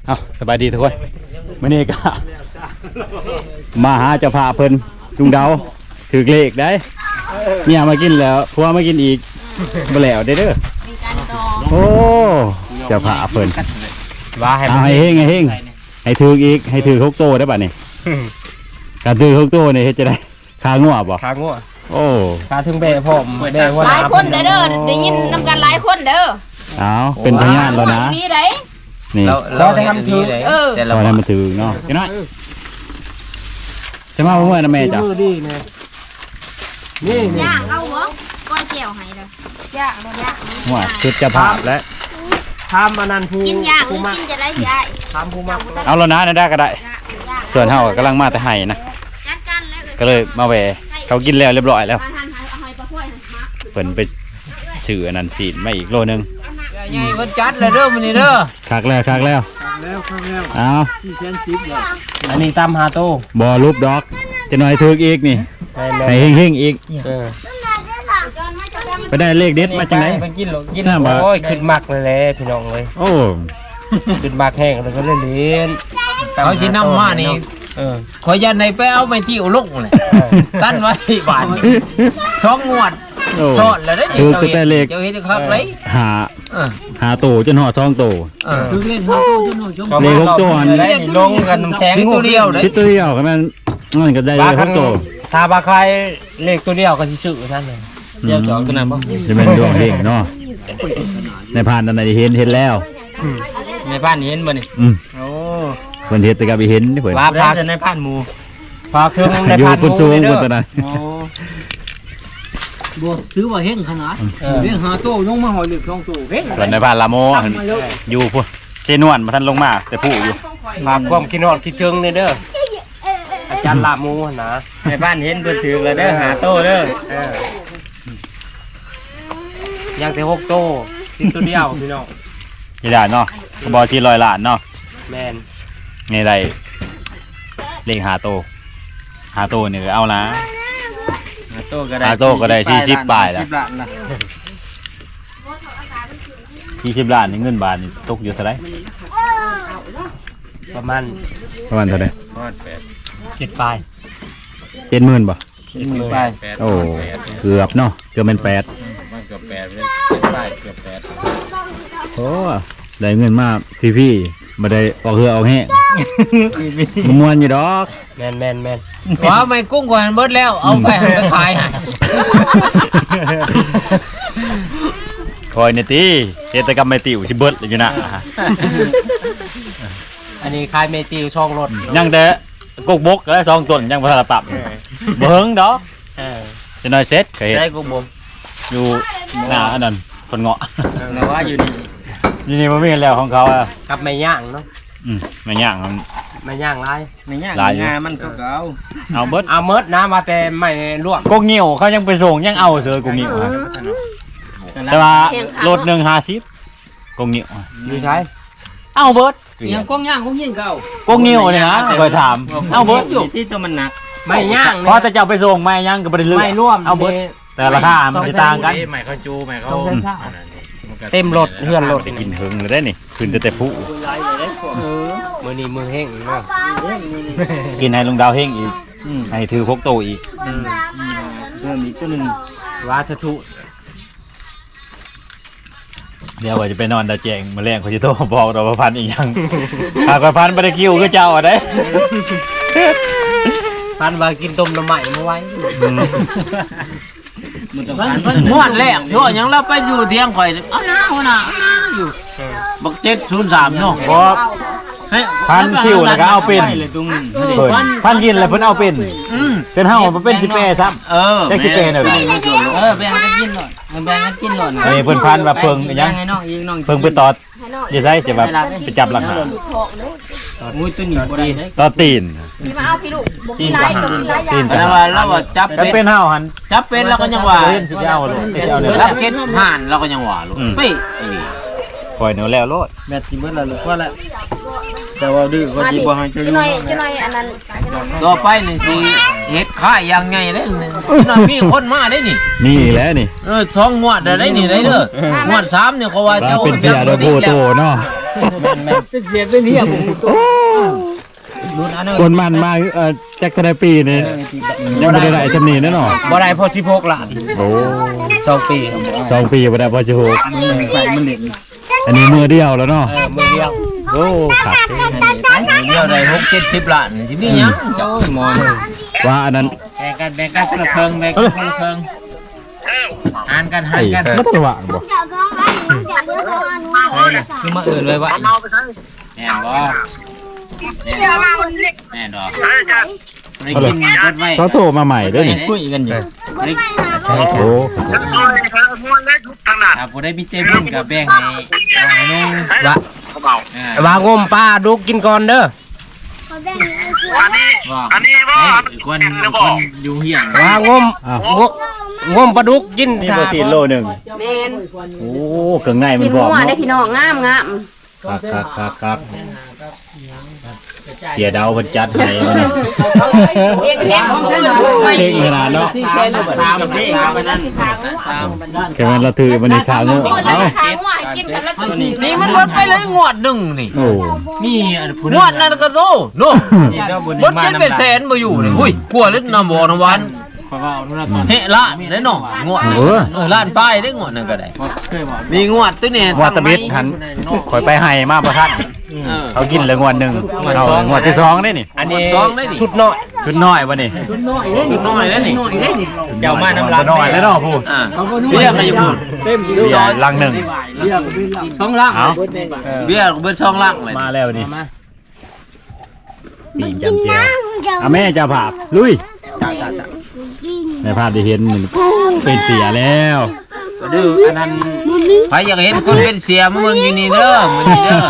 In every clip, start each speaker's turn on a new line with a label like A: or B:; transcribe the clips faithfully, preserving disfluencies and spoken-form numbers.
A: เอาสบายดีทุกคนมื้อนี้ก็มาหาเจ้าภาพเพิ่นลุงเดาถือเลขได้เนี่ยมากินแล้วพวกมากินอีกบ่แล้วเด้อเด้อโอ้เจ้าภาพเพิ่นว่าให้ให้เฮงให้เฮงให้ถืออีกให้ถือหกโตได้ป่ะนี่การถือหกโตนี่เฮ็ดจะได้คางัวบ่
B: คางัว
A: โอ้
B: คาถึงเบะพร้อมเบะหัวห
C: หลายคนเด้อเด้อได้ยินนำกันหลายคนเด้อ
A: เอาเป็นพยานแล้วนะ
C: นี่ได้
A: นี่
B: เราจะทำถือ
C: เออ
A: เราทำมาถือเนาะพี่น้อยจะมาเมื่อนะแม่จ้ะ
C: นี่ย่างเอาบ่ก้อยแก้วให้เด้อย่างบ่ย่าง
A: หัวชุดจะภาพและ
B: ทำมานันภู
C: กินย่างหรือกินจะได้ยาย
B: ทำภูมา
A: เอาแล้วนะได้ก็ได้ส่วนเฮากำลังมาแต่ไห้นะก็เลยมาแหวเขากินแล้วเรียบร้อยแล้วเพิ่นไปซื้ออันนั้นสีดมาอีกโลนึง
B: ใหญ่เพิ่นจัดเลยเด้อมื้อนี้เด้อ
A: คักแล้วคักแล้ว
B: แล้วคักแล้ว
A: เอา
B: สี่แสนสิบเลยอันนี้ตามหาโต
A: บ่รูปดอกจะหน่อยถึกอีกนี่ให้เฮงๆอีกเออไปได้เลขเด็ดมาจังได๋
B: ไปกินหรอกินโอ้ยขึ้นมักเลยแหละพี่น้องเอ้ย
A: โอ้
B: ขึ้นมักแห้งแล้วก็เล่นเล่นเขาสินำมานี่เออขอยันในไปเอาไปที่อุลุกเลยตั้นไว้ที่บ้านช่องงวดชอดแล้วได้
A: ถือก็ได้เลข
B: เจ้าเฮ็ดครับเลย
A: หาหาโตจนฮอดสองโต
B: เออถือเล่นหาโตจนฮอดสอง
A: เลขหกโตอันนี้
B: ลงกันน้ำแข็งตัวเดียวเด้
A: คิดตัวเดียวก็มันมันก็ได้เลขหกโต
B: ถ้าบาใครเลขตัวเดียวก็สิซื้อซั่นเลยเดียวจองตัวนั้นบ่
A: จะเป็นดวงเฮงเนาะในผ่านอันไหนเห็นเห็นแล้ว
B: ในบ้านเห็นบ่นี่
A: อืมโอ้เพิ่นเฮ็ดแต่ก็ไปเห็นเพิ่น
B: ว่าพาในบ้านหมู่พาเครื่องในบ้านหมู่
A: อยู่สูงๆตอนนั้น
B: โอ้บ่ซื้อว่าเฮงขนาดเรื่องหาโตลงมาหอยเหลือสองโตเฮง
A: ส่วนในบ้านละโมอยู่พุ่นเจนวนบ่ทันลงมาแต่ผู้อยู่
B: ฝากความคิดฮอดคิดถึงนี่เด้ออาจารย์ละโมนะในบ้านเห็นเพิ่นถือแล้วเด้อหาโตเด้อเออยังแต่หกโตกินตัวเดียวพี่น้อง
A: นี่ได้เนาะก็บ่ที่ร้อยล้านเนาะ
B: แม่น
A: นี่ได้เลขหาโตหาโตนี่ก็เอานะ
B: หาโตก็ได้
A: หาโตก็ได้สี่สิบบาทแล้วสี่สิบล้านนี่เงินบาทนี่ตกอยู่เท่าไหร่
B: ประมาณ
A: ประมาณเท่าไหร่
B: เจ็ดปลาย
A: เจ็ดหมื่นบ่
B: เจ็ดหมื่นปลาย
A: โอ้เกือบเนาะเกือบเป็นแปด
B: มันเกือบแปดเลยปลายเกือบแปด
A: โอ้ได้เงินมาพี่ๆมาได้ออกเรือออกแห้งมวนอยู่ดอก
B: แมนแมนแมนว้าไม่กุ้งกว่าเบิดแล้วเอาไปไปขาย
A: คอยเนี่ยตีเจตกรรมไม่ติวชิเบิดเลยอยู่นะ
B: อันนี้ขายเมติวช่องรถ
A: ยังแต่กุกบกแล้วช่องต้นยังพัฒนาปรับเบิ้งดอกจะน้อยเซ็ตเคยเห็น
B: กุกบก
A: อยู่หน้าอันนั้นคนเงาะ
B: แต่ว่าอยู่นี่
A: นี่นี่มันไม่เห็นแล้วของเขาอ่ะ
B: กับไม่ย่างเนาะ
A: อืมไม่ย่างมัน
B: ไม่ย่างไรไม่ย่างงามันก็เอา
A: เอาเบิด
B: เอาเมิดนะมาแต่ไม่ลวก
A: กงเงี้ยวเขายังไปส่งยังเอาเสือกงเงี้ยวแต่ว่ารถหนึ่งห้าสิบกงเงี้ยว
B: มีใช่
A: เอาเบิด
B: ยังกงย่างกงยิงเก่าก
A: งเงี้ยวเลยนะเคยถามเอาเบิด
B: อยู่ที่ตัวมันหนักไม่ย่าง
A: เพราะแต่จะไปส่งไม่ย่างก็ไปเรื่อย
B: ไม่ร่วม
A: เอาเบิดแต่ราคามันจะต่างกัน
B: ไม่เขาจูไม่เขาเต็มรถเฮือนรถ
A: กินหึงเลยได้นี่ขึ้นแต่แต่ผู้
B: มือนี้มือแห้งเนาะ
A: กินให้ลุงดาวแห้งอีกให้ถือพกโตอีก
B: เพิ่มอีกตัวหนึ่งวาชทุ
A: เดี๋ยวว่าจะไปนอนตาแจงมาแรงเขาจะโทรบอกเราพันอีกยังหากพันไปได้คิวก็เจ้าอ่ะได้
B: พันว่ากินต้มน้ำใหม่มาไว้งวดแรกช่วงยังเราไปอยู่เที่ยงข่อยอ้าวน้าหัวหน้าอยู่บักเจ็ดศูนย์สามเนาะ
A: เพราะพันคิวแล้วก็เอาเป็นพันกินแล้วเพิ่นเอาเป็นเป็นห้ามันเป็นสิบแปดซ้ำ
B: เออ
A: ได้สิบแปดเลย
B: เออแบ่งกันกินหน่อยแบ่งกันกินหน่อย
A: เออเพิ่นพันแบบเพิ่งยังเพิ่งไปตอดอย่าใช่จะแบบไปจับหลังหา
B: มุ้ยตัวหนีบได้
A: ตอดตีน
C: พี่มาเอาพี่ลูกตีน
A: ตีน
B: แล้วว่าแล้วว่าจับ
A: เป็นห้าหัน
B: จับเป็นแล้วก็ยังว่ารับเก็ตห่านแล้วก็ยังว่าลูกเป๊ะ
A: ปล่อยเนื้อแล้วโลด
B: แม่ที่เมื่อไรลูกว่าแล้วแต่ว่าดื้อก็ดีบ่ให้จะอยู่
C: จะหน่อยจะหน่อยอันนั้น
B: ต่อไปนี่สิเฮ็ดค่ายยังไงเด้นี่มีคนมาได้นี่
A: นี่แหละนี่
B: เออสองงวดได้นี่ได้เด้องวดสามเนี่ยเขาว่า
A: เจ้าเป็นเสียโดโบโตเนาะ
B: เสียเป็นเหี้ยผมตัว
A: คนมันมาเอ่อแจ็คทนายปีนี่ยังไม่ได้ได้จำนีแน่นอน
B: บ่ได้พอสิบหกล้าน
A: โอ้
B: สองปี
A: สองปีไม่ได้พอจะหก
B: ไปมันเล่น
A: อันนี้มือเดียวแล้วเนาะ
B: เออมือเดียว
A: โอ้ขัด
B: เดียวได้หกเจ็ดสิบล้านสิมีหยังโอ้ยหมอน
A: ว่าอันนั้น
B: แบ่งกันแบ่งกันคนละครึ่งแบ่งกันคนละครึ่งหารกันหารกัน
A: ไม่ต้องว่างบ่
B: คือมาเอื่นเลยว่าแม่นบ่แม่นดอกได้กินกดไว้
A: เขาโทรมาใหม่ด้วยนี่
B: คุยกันอยู่ใช่
A: โอ้
B: ถ้าบ่ได้มีเจบุญกับแบ่งให้น้องนุ่งว่า
D: ว่างมปลาดุกกินก่อนเด้อ
B: อันนี้อันนี้ว่าคนคนอยู่เฮียง
D: ว่างมงงมปลาดุกกิน
A: นี่ก็สี่โลหนึ่ง
C: แมน
A: โอ้เครื่องในมั
C: สิ
A: น
C: น
A: พร้อม
C: หัวได้
A: เนาะ
C: พี่น้องงามงาม
A: ครับครับครับครับเสียดาวเพิ่นจัดให้มานี่
C: เอ็กเอ็กของฉันเลย
A: เก่งขนาดเนาะ
B: สามสามสามไปนั่นสาม
A: แค่มันเราถือมันนี่ทางเนาะ
C: คนละ
A: เอ้า
C: ทางว่ากินกันแล้วก็
B: นี่มันลดไปเลยงวดหนึ่งนี่
A: โอ้
B: นี่งวดนั้นก็โซ่โน่ลดเจ็ดเป็นแสนมาอยู่นี่อุ้ยกลัวเล่นน้ำบ่อน้ำวันเฮ้ละได้หน่องวดเออล้านป้ายได้งวดนั่นก็ได้นี่งวดตัวเนี่ย
A: ว่าตะบิดหันข่อยไปให้มาบ่ทันเขากินเลยงวดหนึงเอางวดที่สองได้นี่
B: อันนี้สองได้ดิ
D: ชุดน้อย
A: ชุดน้อยบ่นี่
B: ชุดน้อยแล้วนี่
D: เจ้ามาน้ำลาย
A: น้อยแล้วเนาะผู้
B: อ่าเบี้ยก็อยู่พูด
A: เบียร์ลังหนึ่ง
B: สองล่าง
A: เอา
B: เบี้ยเบิ้ลสองล่างเลย
A: มาแล้วนี่ปีจำเจียวเอาแม่จะผ่าลุยในภาพที่เห็นมันเป็นเสียแล้ว
B: ดื้ออันนั้นใครอยากเห็นคนเป็นเสียมึงอยู่นี่เด้อมึงนี่เด้อ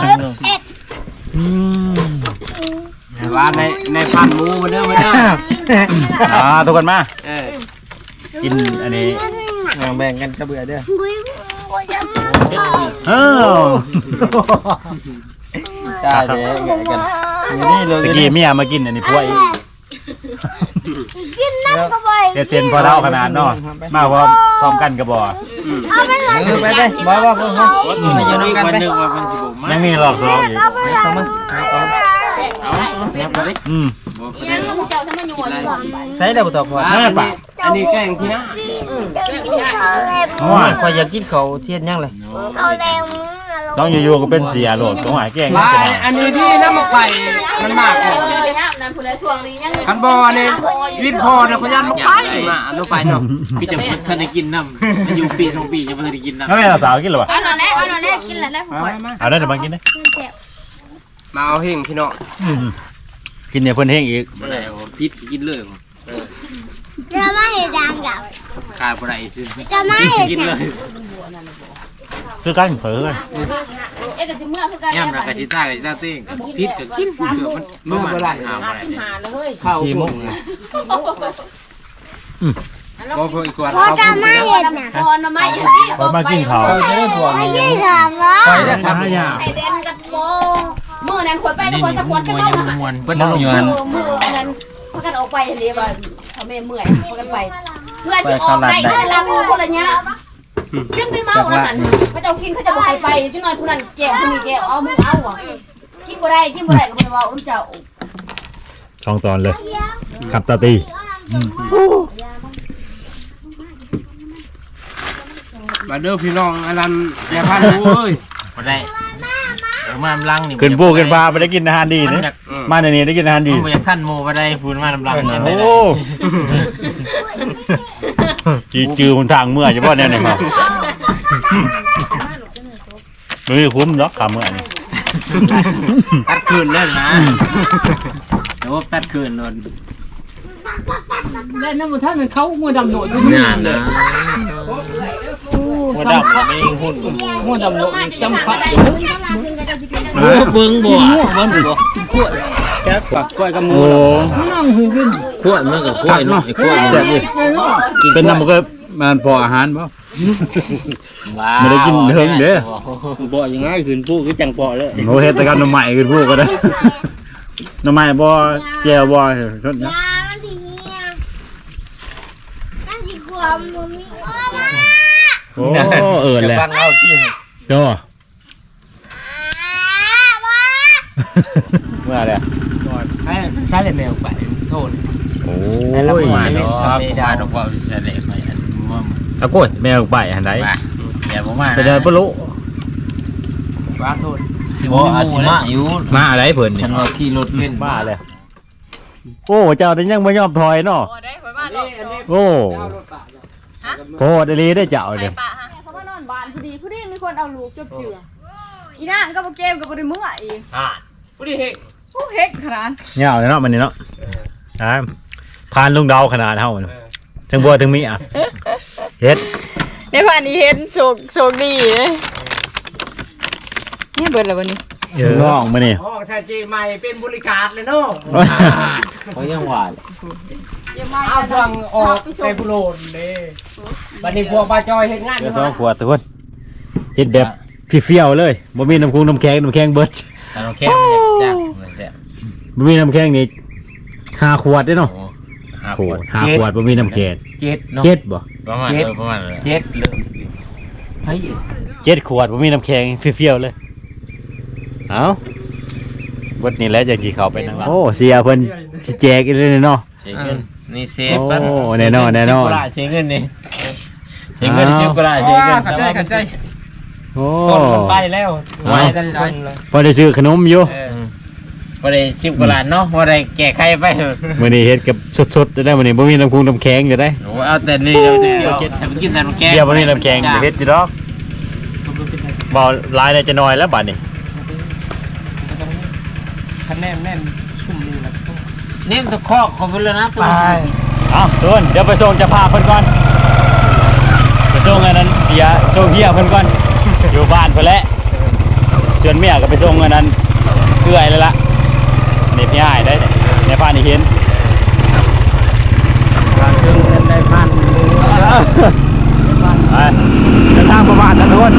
D: ว่าในในพันหมูมาเด้อมาเด้อ
A: อ่าทุกคนมา
D: เออ
A: กินอันนี้
D: แบ่งกันกระเบื่อเด้อ
A: เอ้า
D: ได้เด้อแกกันนี่เลย
A: ตะกี้เมียมากินอันนี้พวกอีก
E: กินน้ำก็ไป
A: เจเจนพอเท่าขนาดเนาะมาพร้อมพร้อมกันกระบอก
E: เอาไปเลย
D: เออไปไปบ่บ่บ่มาอยู่ด้วยกัน
B: วัน
D: ไป
B: หนึ่งว่ามันสิบมา
A: ยังมีรอบสองอีก
E: เอาไปเลย
A: อืม
C: ยังลูกเจ้าฉันมาอยู่เลย
D: ใช้ได้บ่ต่อพอ
A: แม่ปะ
D: อันนี้แกงที่นะ
A: โอ้ย
D: คอยอยากกินเขาเทียนยังเลย
E: เขาแดง
A: ต้องอยู่ๆก็เป็นเสียโหลดต้องหายแกล้ง
D: ลายอันนี้ที่น้ำมะไข่มันมากกว่า
C: เลยนะนั่นผู้ใดช่วงนี้ยัง
D: คันบอเนี่ยวิทย์พอเนี่ยเขายันมะไข่มาลูกไปเนาะ
B: พี่จะทันได้กินน้ำมาอยู่ปีสองปียังไม่ทันได้กินน้ำ
A: แล้วแม่เราสาวกินหรอวะ
C: เอาหน่อยแล้วเอาหน่อยแล้วกินแล้วแล้วผม
A: เอาได้เดี๋ยวมากินนะ
D: มาเอาเฮงพี่น้อง
A: กินเนี่ยเพิ่นเฮงอีก
B: พิษกินเลย
E: จะไม่เห็นดังกับ
B: ขาดอะไรซื้อ
E: จะไม่เห็น
B: กินเลย
A: คือกันเผลอกัน
C: เอ๊ะก็สิเมื่อคือกัน
B: ย่ำรักกะชิต้ากะชิต้าติ้งพิษกับกินเถื่อมันเมื่อมันหาอะไร
C: หาเลย
D: ข้าวมุ้ง
B: ก็เพื่ออีกวัน
E: พอจะไม่เห็นนะ
C: พอนมาอยู่
A: พอมากินเขา
E: ไม่ใช่สามวะ
D: ไปได้ทำ
A: ยา
C: ไอเดนกับโบมือนั้นคนไปแล้วคนสะกดกัน
B: มวย
C: เนาะ
B: ยังมวนเพิ่นลงอยู่
C: เอ
B: หัน
C: อมืออันนั้นพากันออกไปเรียกว่าเขาไม่เมื่อยพากันไปเพื่อสิออกได้เสร็จแล้วคนละเนี้ยขึ้นไปเมาแล้วนั่นเขาจะกินเขาจะบ่ให้ไปจังหน่อยผู้นั้นแก้วผู้นี้แก้วเอามือเอาอ่ะกินบ่ได้กินบ่ได้ก็บ่ได้เว้าน้ำเจ้า
A: ช่องตอนเลยขับตาตี
D: มาเด้อพี่น้องอลันอย่าพลาดรู้เอ้ย
B: บ่ได้มาลำลังนี่
A: ขึ้นปูขึ้นปลาไปได้กินอาหารดีนะมาในนี้ได้กินอาหารดี
B: มันบ่อยากท่านโมบ่ได้พูดมาลำลังเนี่ย
A: โอ้จือจือคนทางเมื่อจะพ่อแน่นอนครับไม่คุ้มหรอกคำเมื่อนี่
B: ตัดคืนเลยนะเดี๋ยวตัดคืนนน
F: แล้วนั่นมันท่านมันเขามัวดำหน่อยอยู่
B: งานนะหัวดำไม่หุ่น
F: มัวดำหน่อยจำพัด
B: โอ้เบิ่งบ่
F: มันบ่
D: แก๊สปักกล้วยกับหมู
A: โอ้
F: นั่งหือขึ้น
B: ขวดมันกับขวดเนาะไอ้ขวด
A: แซ่บดิเป็นน้ำมันก็มันพออาหารป่ะ ไม่ได้กินเฮิงเด้อ
D: บ่ยังไงคืนผู้คือจังปอเลย
A: โอ้เฮ็ดแต่กันน้ำใหม่คือพวกก็ได้น้ำใหม่บ่แจ่วบ่ชดนะ
E: ยามันดีเนี่ยนั่นดีความมันมีว่า
A: โอ้เอิญแหละ
D: ฟังเอาที่
A: โจ้เมื่อไร
D: ให้ใช้เลยแมวไปโทษ
A: โอ้
D: แล้ว
A: ย
D: มา
B: มา
D: เนาะ
B: เนาะมาดอกว่าวิเศษไปอันว่า
A: เอาโก้ยแมวไปหันได
B: อย่าบ่มา
A: ไปเดินปะลุ
D: ว่าโทษ
B: สิบ่อาสิมาอยู่
A: มาอะไรเพิ่น
B: ฉั
A: นี่
B: นว่าขี่รถเล่น
A: มาเลยโอ้เจ้านี่ยังไม่ยอมถอยเนาะ
C: โอ้ได้ข่อยมารอบสอง
A: โอ้โหดลีได้เจ้าเนี่ย
C: เขามานอนบ้านพอดีพอดีมีคนเอาลูกจบเจืออีนางก็บ่เกมก็บ่ได้มื้ออีก
D: อ่าผู้ดีเฮก
C: โอ้เฮ็กขนาด
A: เงาเลยเนาะมันนี่เนาะอ่าพานลุงเดาขนาดเท่ามันทั้งบัวทั้งมีอ่ะเฮ็ด
C: ในผ่านนี้เห็นโชคโชคดีเลยเนี่ยเบิดแล้ววันนี้
A: เออน้องมานี่
D: ห้องชายจีใหม่เป็นบริการเลยเนาะ
B: เขายังว่า
D: เอาฟังออกไปบุโรนเลยวันนี้พวกปลาจอยเฮ็ดงาน
A: เดี๋ยวสองขวดทุกคนเฮ็ดแบบเฟี้ยวๆเลยบ่มีน้ำคุงน้ำแข็งน้ำแข็งเบิด
B: แต่เราแค่จ้างแซ่บ
A: บ่มีน้ำแข็งนี่ห้าขวดเด้เนาะ
B: โอ้ห้า
A: โอ้
B: ขวด
A: ห้าขวดบ่มีน้ำแข็ง
B: เจ็ดเนาะ
A: เจ็ดบ่
B: ประมาณประมาณเจ็ดเลยเฮ้ย
A: เจ็ดขวดบ่มีน้ำแข็งเฟี้ยวๆเลยเอ้าเบิดนี่แหละจังสิเข้าไปนั่งโอ้เสียเพิ่นสิแจกอีกเลยเนาะ
B: เช็คเงินนี่เซฟปัน
A: โอ้แน่นอนแน่นอน
B: เช็คเงินนี่เช็คเงินสิบกว่าล้าน
D: เช็
B: เช็คเงิน
D: ขัดใจขัดใจ
A: โอ้
D: ต้นมันไปแล้วไปกันคนเลย
A: พอได้ซื้อขนมอยู่
D: เออ
B: พอได้สิบกว่าล้านเนาะพอได้แก้ไขไป
A: มื้อนี้เฮ็ดกับสดๆจะได้มื้อนี้บ่มีน้ำคุงน้ำแข็งจะได้
B: โอ้เอาแต่นี่เดี๋ยวเดี๋ยวทำกินแต่น้ำแกง
A: เดี๋ยวบ่มีน้ำแข็งจะเฮ็ดอยู่ดอกบ่หลายได้จะน้อยแล้วบัดนี้
D: คะแนนแน่นชุ่มนี่แหละ
B: เนี่ยตะคอกเขาไปแล้วนะตัว
D: ไป
A: เอาทุกคนเดี๋ยวไปส่งเจะพาพเพิ่นก่อนไปส่งอันนั้นเสียส่งเฮียเพิ่นก่อน อยู่บ้านเพิ่นแหละจนเมียก็ไปส่งอันนั้นเอื้อยแล้วล่ะนี่พี่อ้ายได้ในบ้านนี่เห็น
D: การเครื่องเงินได้พันหนึ่ง
A: ไปเดินทางประมาณนั้นทุกคน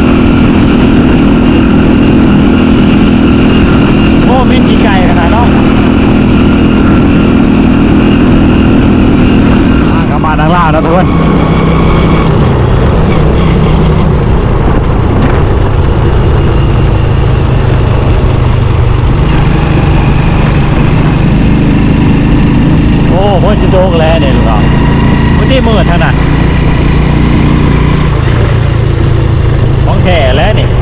A: โอ้มีกี่ไก่ขนาดเนาะกลับมาทางล่างนะทุกคนโอ้พ้นจะโดกแล้วเนี่ยลูกเราวันนี้มืดเท่านั้นของแท้แล้วนี่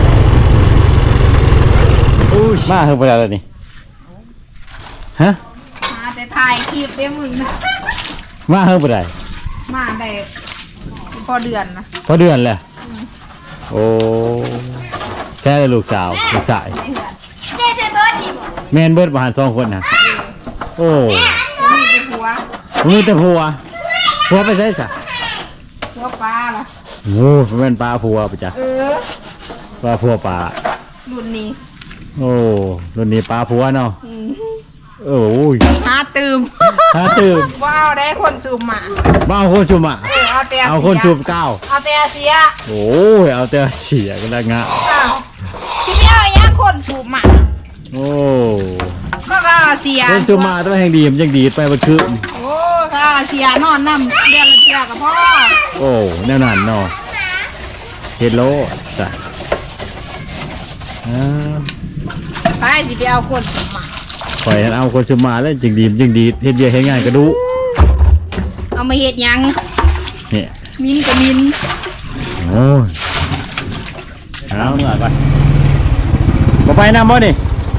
A: อู้ยมาเพิ่งไปแล้วนี่ฮะ
E: มาแต่ถ่ายคลิปได้มึงนะ
A: มาเพิ่งไปได้
E: มาได้พอเดือนนะ
A: พอเดือนแล้วโอ้แค่ลูกสาวลูกสาย
E: ไอ้เหือนเด็กเบิร์ดนี่บ่
A: แมนเบิร์ดมาหันสองคนนะโอ้
E: มีแต่หัว
A: มีแต่ผัวผัวไปใช่สะ
E: หัวปลาล่ะ
A: โอ้แม่นปลาผัวไปจ้ะ
E: เออ
A: ปลาผัวปลา
E: รุ่นนี้
A: โอ้รุ่นนี้ปลาผัวเนาะ
E: อืม
A: โอ้ย
E: หาตื่ม
A: ถ้าตื่น
E: ว่าเอาได้คนสูบหมา
A: มาเอาคนชุมอ่ะ
E: เออเอาแต่
A: เอาคนชุมเก้า
E: เอาแต่เสีย
A: โอ้ยเอาแต่เสียกันละงะ
E: อ้าวที่ไม่เอาอย่างคนสูบหมา
A: โอ้
E: ก็ก็เสีย
A: คนชุมมาต้องแห่งดีมันยังดีดไปมันคือ
E: โอ้ก็เสียนอนน้ำเดือนละเทื่อกับพ่อ
A: โอ้แน่นอนเนาะเฮดโลจ้ะอ่า
E: ไปสิไปเอาคนสูบหมา
A: ปล่อยให้เอาคนชุมมาแล้วจึงดีมันจึงดีดเฮ็ดเบียร์เฮ็ดงานก็ดู
E: เอามาเฮ็ดหยัง
A: เนี่ย
E: มินกับมิน
A: โอ้ยเอาเหนื่อยไปบ่ไปน้ำบ่นี่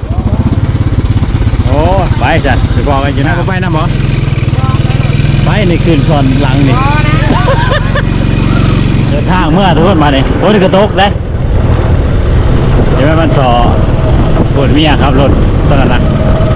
A: โอ้ไปจ้ะไปบอกกันอยู่นะบ่ไปน้ำบ่ไปในคืนชอนหลังนี่
E: พอนะ
A: เดินทางเมื่อทุกคนมาเนี่ยรถกระตกได้เดี๋ยวมันสอปวดเมียครับรถตอนนั้นนะ